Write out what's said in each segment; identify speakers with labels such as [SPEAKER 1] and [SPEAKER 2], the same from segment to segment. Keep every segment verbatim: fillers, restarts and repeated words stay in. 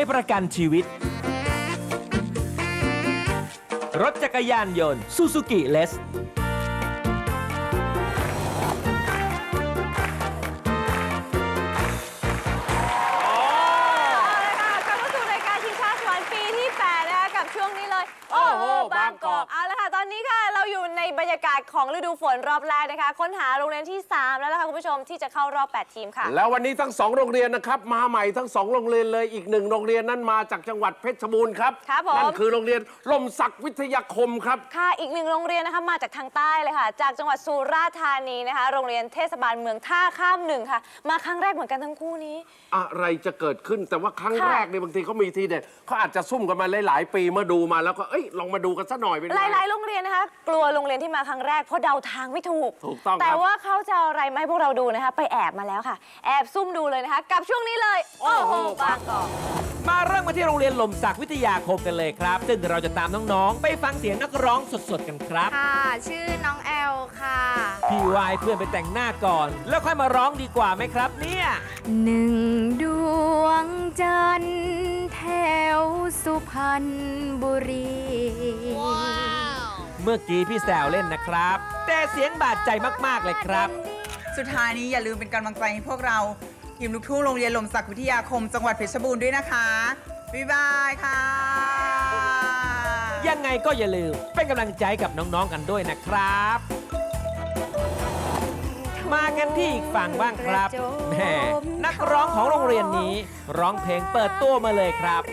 [SPEAKER 1] ประกันชีวิต รถจักรยานยนต์ซูซูกิเลส
[SPEAKER 2] ช่วงนี้เลยโอ้โหบางกอกเอาละค่ะตอนนี้ค่ะเราอยู่ในบรรยากาศของฤดูฝนรอบแรกนะคะค้นหาโรงเรียนที่สามแล้วนะคะคุณผู้ชมที่จะเข้ารอบแปดทีมค่ะ
[SPEAKER 3] แล้ววันนี้ทั้งสองโรงเรียนนะครับมาใหม่ทั้งสองโรงเรียนเลยอีกหนึ่งโรงเรียนนั้นมาจากจังหวัดเพชรบูรณ์ครับ
[SPEAKER 2] ครับผม
[SPEAKER 3] นั่นคือโรงเรียนลมศักดิ์วิทยาคมครับ
[SPEAKER 2] ค่ะอีกหนึ่งโรงเรียนนะคะมาจากทางใต้เลยค่ะจากจังหวัดสุราษฎร์ธานีนะคะโรงเรียนเทศบาลเมืองท่าข้ามหนึ่งค่ะมาครั้งแรกเหมือนกันทั้งคู่นี้
[SPEAKER 3] อะไรจะเกิดขึ้นแต่ว่าครั้งแรกเนี่ยบางทีเขามีทีเด็ดเขาอาจจะซุ่มกันมาหลายๆปีเมื่อดูมาแล้วก็เอ้ยลองมาดูกันสักหน่อยเป็นไง
[SPEAKER 2] หลายๆโรงเรียนนะคะกลัวโรงเรียนที่มาครั้งแรกเพราะเดาทางไม่ถูก
[SPEAKER 3] ถูกต้อง
[SPEAKER 2] แต่ว่าเขาจะเอาอะไรมาให้พวกเราดูนะคะไปแอบมาแล้วค่ะแอบซุ่มดูเลยนะคะกับช่วงนี้เลยโอ้โหบางกอก
[SPEAKER 1] มาเริ่มกันที่โรงเรียนลมศักดิ์วิทยาคมกันเลยครับซึ่งเราจะตามน้องๆไปฟังเสียงนักร้องสดๆกันครับ
[SPEAKER 4] ค่ะชื่อน้องแอลค่ะ
[SPEAKER 1] พี่วายเพื่อนไปแต่งหน้าก่อนแล้วค่อยมาร้องดีกว่าไหมครับเนี่ย
[SPEAKER 4] หนึ่งดวงจันทร์แถวสุพรรณบุรี
[SPEAKER 1] เมื่อกี้พี่แซวเล่นนะครับแต่เสียงบาดใจมากๆเลยครับ
[SPEAKER 5] สุดท้ายนี้อย่าลืมเป็นกำลังใจให้พวกเราทีมลูกทุ่งโรงเรียนลมศักดิ์วิทยาคมจังหวัดเพชรบูรณ์ด้วยนะคะบ๊ายบายค่ะ
[SPEAKER 1] ยังไงก็อย่าลืมเป็นกำลังใจกับน้องๆกันด้วยนะครับมากันที่อีกฝั่งบ้างครับแหมนักร้องของโรงเรียนนี้ร้องเพลงเปิดตัวมาเลยครับ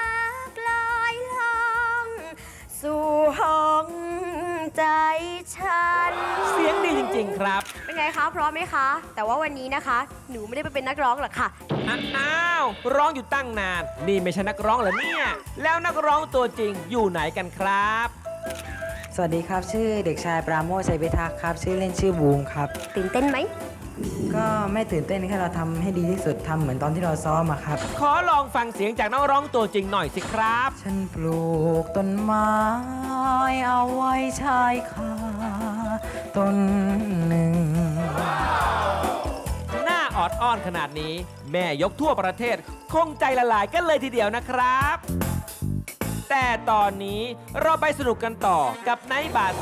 [SPEAKER 4] สู่ห้องใจฉัน
[SPEAKER 1] เสียงดีจริงๆครับ
[SPEAKER 4] เป็นไงคะพร้อมไหมคะแต่ว่าวันนี้นะคะหนูไม่ได้ไปเป็นนักร้องหรอกค่ะ
[SPEAKER 1] อ้าวร้องอยู่ตั้งนานนี่ไม่ใช่นักร้องเหรอเนี่ยแล้วนักร้องตัวจริงอยู่ไหนกันครับ
[SPEAKER 6] สวัสดีครับชื่อเด็กชายปราโมช ชัยพิทักษ์ครับชื่อเล่นชื่อบูมครับ
[SPEAKER 4] ตื่นเต้นไหม
[SPEAKER 6] ก็ไม่ตื่นเต้นแค่เราทำให้ดีที่สุดทำเหมือนตอนที่เราซ้อมอะครับ
[SPEAKER 1] ขอลองฟังเสียงจากนักร้องตัวจริงหน่อยสิครับ
[SPEAKER 6] ฉันปลูกต้นไม้เอาไว้ชายคาต้นหนึ่ง
[SPEAKER 1] หน้าออดอ้อนขนาดนี้แม่ยกทั่วประเทศคงใจละลายกันเลยทีเดียวนะครับแต่ตอนนี้เราไปสนุกกันต่อกับไนท์บาร์